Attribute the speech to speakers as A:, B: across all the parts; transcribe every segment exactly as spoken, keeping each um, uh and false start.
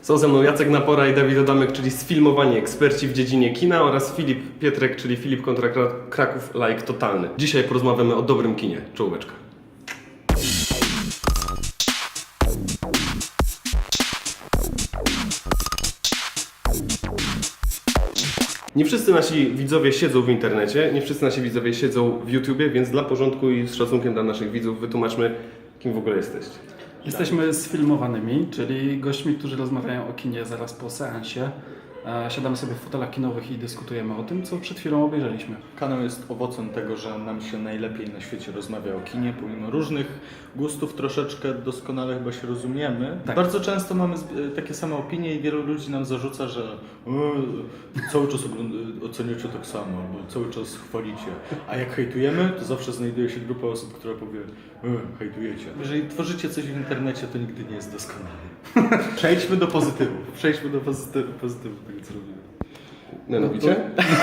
A: Są ze mną Jacek Napora i Dawid Adamek, czyli sfilmowani eksperci w dziedzinie kina, oraz Filip Pietrek, czyli Filip kontra Kraków Like Totalny. Dzisiaj porozmawiamy o dobrym kinie. Czołóweczka. Nie wszyscy nasi widzowie siedzą w internecie, nie wszyscy nasi widzowie siedzą w YouTubie, więc dla porządku i z szacunkiem dla naszych widzów wytłumaczmy, kim w ogóle jesteście.
B: Jesteśmy sfilmowanymi, czyli gośćmi, którzy rozmawiają o kinie zaraz po seansie. Siadamy sobie w fotelach kinowych i dyskutujemy o tym, co przed chwilą obejrzeliśmy.
C: Kanał jest owocem tego, że nam się najlepiej na świecie rozmawia o kinie, pomimo różnych gustów troszeczkę doskonale chyba się rozumiemy.
B: Tak.
C: Bardzo często mamy takie same opinie i wielu ludzi nam zarzuca, że e, cały czas oceniacie tak samo, albo cały czas chwalicie. A jak hejtujemy, to zawsze znajduje się grupa osób, która powie e, hejtujecie. Jeżeli tworzycie coś w internecie, to nigdy nie jest doskonale. Przejdźmy do pozytywów. Przejdźmy do pozytywów, pozytywów tego, co robimy.
A: Mianowicie?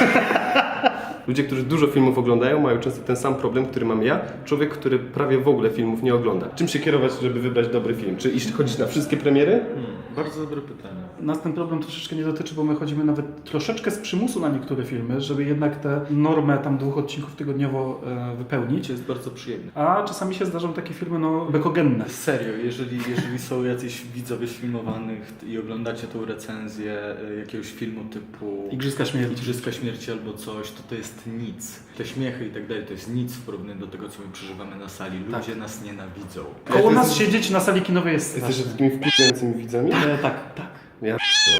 A: Ludzie, którzy dużo filmów oglądają, mają często ten sam problem, który mam ja. Człowiek, który prawie w ogóle filmów nie ogląda. Czym się kierować, żeby wybrać dobry film? Czy iść chodzić na wszystkie premiery?
C: Hmm, bardzo dobre pytanie.
B: Nas ten problem troszeczkę nie dotyczy, bo my chodzimy nawet troszeczkę z przymusu na niektóre filmy, żeby jednak tę normę tam dwóch odcinków tygodniowo e, wypełnić.
C: Jest bardzo przyjemne.
B: A czasami się zdarzą takie filmy no bekogenne.
C: Serio, jeżeli, jeżeli są jacyś widzowie filmowanych i oglądacie tą recenzję e, jakiegoś filmu typu
B: Igrzyska Śmierci.
C: Igrzyska Śmierci albo coś, to to jest nic. Te śmiechy i tak dalej, to jest nic w porównaniu do tego, co my przeżywamy na sali. Ludzie
B: Tak.
C: nas nienawidzą.
B: Koło
A: Ty
B: nas
A: jesteś-
B: siedzieć na sali kinowej jest
A: Jesteście
B: straszne.
A: takimi wkurzającymi widzami?
B: E, tak, tak.
A: Ja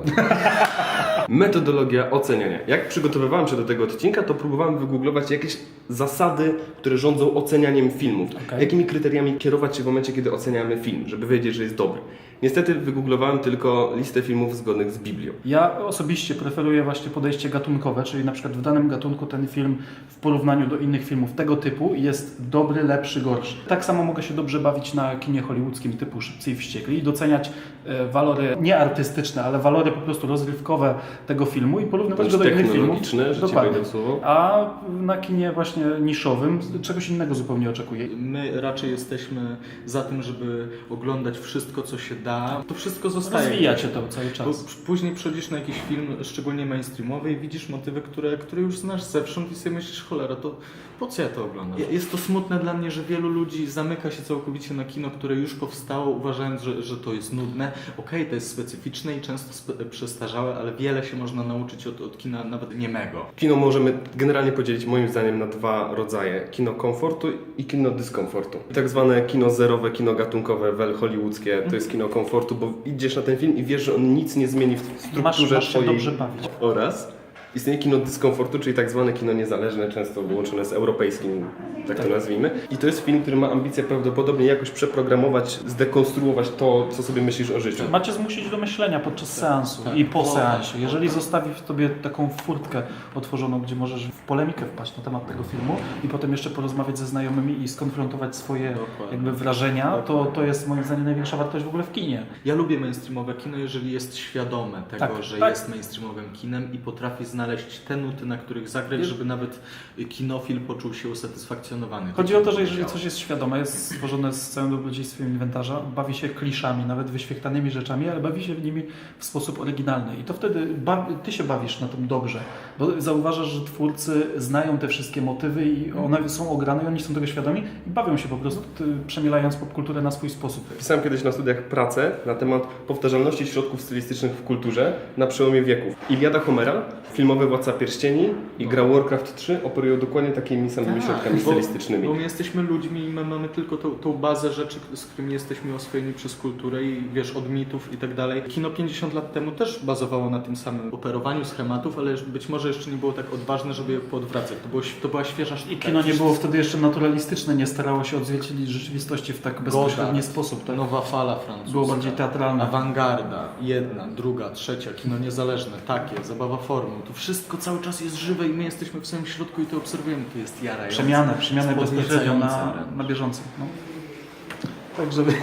A: Metodologia oceniania. Jak przygotowywałem się do tego odcinka, to próbowałem wygooglować jakieś zasady, które rządzą ocenianiem filmów.
B: Okay.
A: Jakimi kryteriami kierować się w momencie, kiedy oceniamy film, żeby wiedzieć, że jest dobry. Niestety wygooglowałem tylko listę filmów zgodnych z Biblią.
B: Ja osobiście preferuję właśnie podejście gatunkowe, czyli na przykład w danym gatunku ten film w porównaniu do innych filmów tego typu jest dobry, lepszy, gorszy. Tak samo mogę się dobrze bawić na kinie hollywoodzkim typu Szybcy i Wściekli i doceniać e, walory nie artystyczne, ale walory po prostu rozrywkowe tego filmu i porównywać
A: Bądź
B: go do innych filmów.
A: technologiczne, że ci
B: Dokładnie.
A: wejdę w słowo.
B: A na kinie właśnie niszowym czegoś innego zupełnie oczekuję.
C: My raczej jesteśmy za tym, żeby oglądać wszystko, co się da. To wszystko zostaje.
B: Rozwijacie to cały
C: Bo
B: czas.
C: później przychodzisz na jakiś film, szczególnie mainstreamowy, i widzisz motywy, które, które już znasz zewsząd i sobie myślisz, cholera, to po co ja to oglądam? Jest to smutne dla mnie, że wielu ludzi zamyka się całkowicie na kino, które już powstało, uważając, że, że to jest nudne. Okej, to jest specyficzne i często spe- przestarzałe, ale wiele się można nauczyć od, od kina nawet niemego.
A: Kino możemy generalnie podzielić moim zdaniem na dwa rodzaje. Kino komfortu i kino dyskomfortu. Tak zwane kino zerowe, kino gatunkowe, wel hollywoodzkie, to jest kino komfortu, bo idziesz na ten film i wiesz, że on nic nie zmieni w strukturze
B: Masz, masz się
A: twojej...
B: dobrze bawić.
A: Oraz istnieje kino dyskomfortu, czyli tak zwane kino niezależne, często wyłączone z europejskim, tak,
B: Tak.
A: to nazwijmy. I to jest film, który ma ambicje prawdopodobnie jakoś przeprogramować, zdekonstruować to, co sobie myślisz o życiu.
B: Macie zmusić do myślenia podczas seansu
C: tak.
B: i po
C: O,
B: seansie.
C: tak.
B: Jeżeli zostawi w tobie taką furtkę otworzoną, gdzie możesz w polemikę wpaść na temat tego filmu i potem jeszcze porozmawiać ze znajomymi i skonfrontować swoje
C: Dokładnie.
B: jakby wrażenia, to, to jest moim zdaniem największa wartość w ogóle w kinie.
C: Ja lubię mainstreamowe kino, jeżeli jest świadome tego,
B: Tak,
C: że
B: tak.
C: jest mainstreamowym kinem i potrafi znaleźć te nuty, na których zagrać, żeby nawet kinofil poczuł się usatysfakcjonowany.
B: Chodzi o to, że jeżeli coś jest świadome, jest stworzone z całym dobrodziejstwem inwentarza, bawi się kliszami, nawet wyświechtanymi rzeczami, ale bawi się w nimi w sposób oryginalny. I to wtedy bawi, ty się bawisz na tym dobrze, bo zauważasz, że twórcy znają te wszystkie motywy i one są ograne i oni są tego świadomi i bawią się po prostu, ty, przemielając popkulturę na swój sposób.
A: Pisałem kiedyś na studiach pracę na temat powtarzalności środków stylistycznych w kulturze na przełomie wieków. Iliada Homera, filmowy Władca Pierścieni i gra Warcraft trzy operują dokładnie takimi samymi środkami
C: bo,
A: stylistycznymi.
C: bo my jesteśmy ludźmi i my mamy tylko tą, tą bazę rzeczy, z którymi jesteśmy oswojeni przez kulturę i wiesz, od mitów i tak dalej. Kino pięćdziesiąt lat temu też bazowało na tym samym operowaniu schematów, ale być może jeszcze nie było tak odważne, żeby je poodwracać. To, było, to była świeża sztuka.
B: I kino nie było wtedy jeszcze naturalistyczne, nie starało się odzwierciedlić rzeczywistości w tak bezpośredni
C: Godard,
B: sposób. Tak?
C: Nowa fala francuska.
B: Było bardziej teatralne.
C: Awangarda, jedna, druga, trzecia, kino niezależne, takie, zabawa formuł. To wszystko cały czas jest żywe i my jesteśmy w samym środku i to obserwujemy. To jest jarające.
B: Przemianę, przemianę bezpośrednio na,
C: podniecające wręcz.
B: na bieżąco. No. Tak, żeby...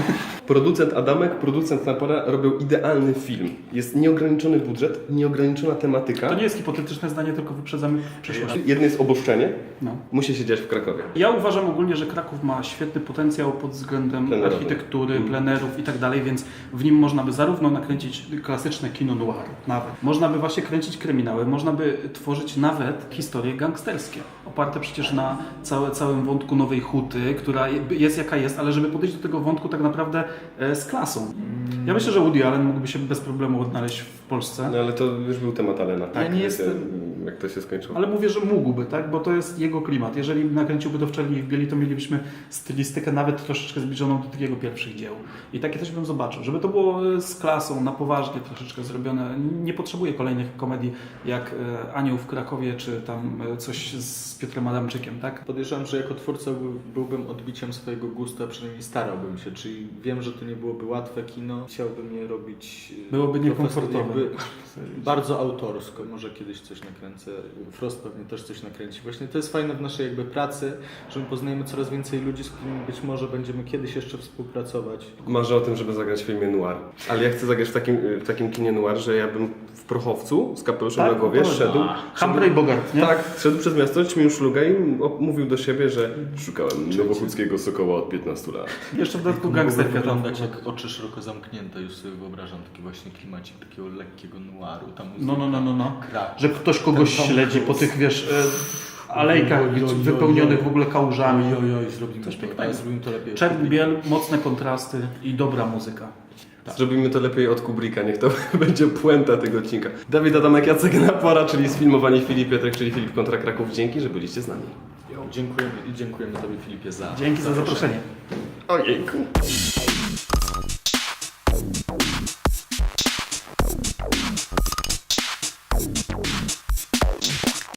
A: Producent Adamek, producent Napora robią idealny film. Jest nieograniczony budżet, nieograniczona tematyka.
B: To nie jest hipotetyczne zdanie, tylko wyprzedzamy przyszłość.
A: Jedno jest oboszczenie,
B: No.
A: musi się dziać w Krakowie.
B: Ja uważam ogólnie, że Kraków ma świetny potencjał pod względem
A: Plenerowy.
B: architektury,
A: Mm.
B: plenerów i tak dalej, więc w nim można by zarówno nakręcić klasyczne kino noir, nawet. Można by właśnie kręcić kryminały, można by tworzyć nawet historie gangsterskie, oparte przecież na całe, całym wątku Nowej Huty, która jest jaka jest, ale żeby podejść do tego wątku tak naprawdę e, z klasą. Ja myślę, że Woody Allen mógłby się bez problemu odnaleźć w Polsce.
A: No ale to już był temat Alena.
B: Ja nie
A: Wiecie,
B: jestem-
A: Jak to się skończyło.
B: Ale mówię, że mógłby, tak? Bo to jest jego klimat. Jeżeli nakręciłby to w Czerni i w Bieli, to mielibyśmy stylistykę nawet troszeczkę zbliżoną do tych jego pierwszych dzieł. I takie coś bym zobaczył. Żeby to było z klasą, na poważnie troszeczkę zrobione. Nie potrzebuję kolejnych komedii jak e, Anioł w Krakowie, czy tam e, coś z Piotrem Adamczykiem, tak?
C: Podejrzewam, że jako twórca był- byłbym odbiciem swojego gustu, a przynajmniej starałbym się. Czyli wiem, że to nie byłoby łatwe kino. Chciałbym je robić... e,
B: Byłoby
C: profes-
B: niekomfortowe.
C: jakby Bardzo autorsko. Może kiedyś coś nakręcę. Frost pewnie też coś nakręci. Właśnie to jest fajne w naszej jakby pracy, że my poznajemy coraz więcej ludzi, z którymi być może będziemy kiedyś jeszcze współpracować.
A: Marzę o tym, żeby zagrać w filmie noir. Ale ja chcę zagrać w takim, w takim kinie noir, że ja bym w prochowcu z kapeluszem
B: Tak,
A: na głowie
B: to-
A: szedł.
B: Humphrey Bogart, nie?
A: Tak, szedł przez miasto, ćmił szlugę i o- mówił do siebie, że szukałem nowochódzkiego sokoła od piętnastu lat.
B: Jeszcze w dodatku
C: Mógłby
B: gangsterka tam.
C: wyglądać jak oczy szeroko zamknięte. Już sobie wyobrażam taki właśnie klimacik takiego lekkiego noiru. Tam
B: No, no, no, no, no.
C: Krak.
B: Że ktoś kogoś
C: Ten Tom
B: śledzi po
C: Cruise.
B: tych, wiesz, e, alejkach
C: Oj, oj, oj,
B: wypełnionych
C: oj.
B: w ogóle kałużami.
C: Oj, oj, oj, zrobimy
B: Coś
C: to,
B: pięknego.
C: ale zrobimy to lepiej.
B: Czerń, biel, mocne kontrasty i dobra muzyka.
A: Zrobimy to lepiej od Kubricka, niech to będzie puenta tego odcinka. Dawid Adamek, Jacek Napora, czyli sfilmowani Filip Piotrek, czyli Filip kontra Kraków. Dzięki, że byliście z nami.
C: Dziękujemy i dziękujemy Tobie, Filipie, za
B: Dzięki za zaproszenie.
A: Ojejku.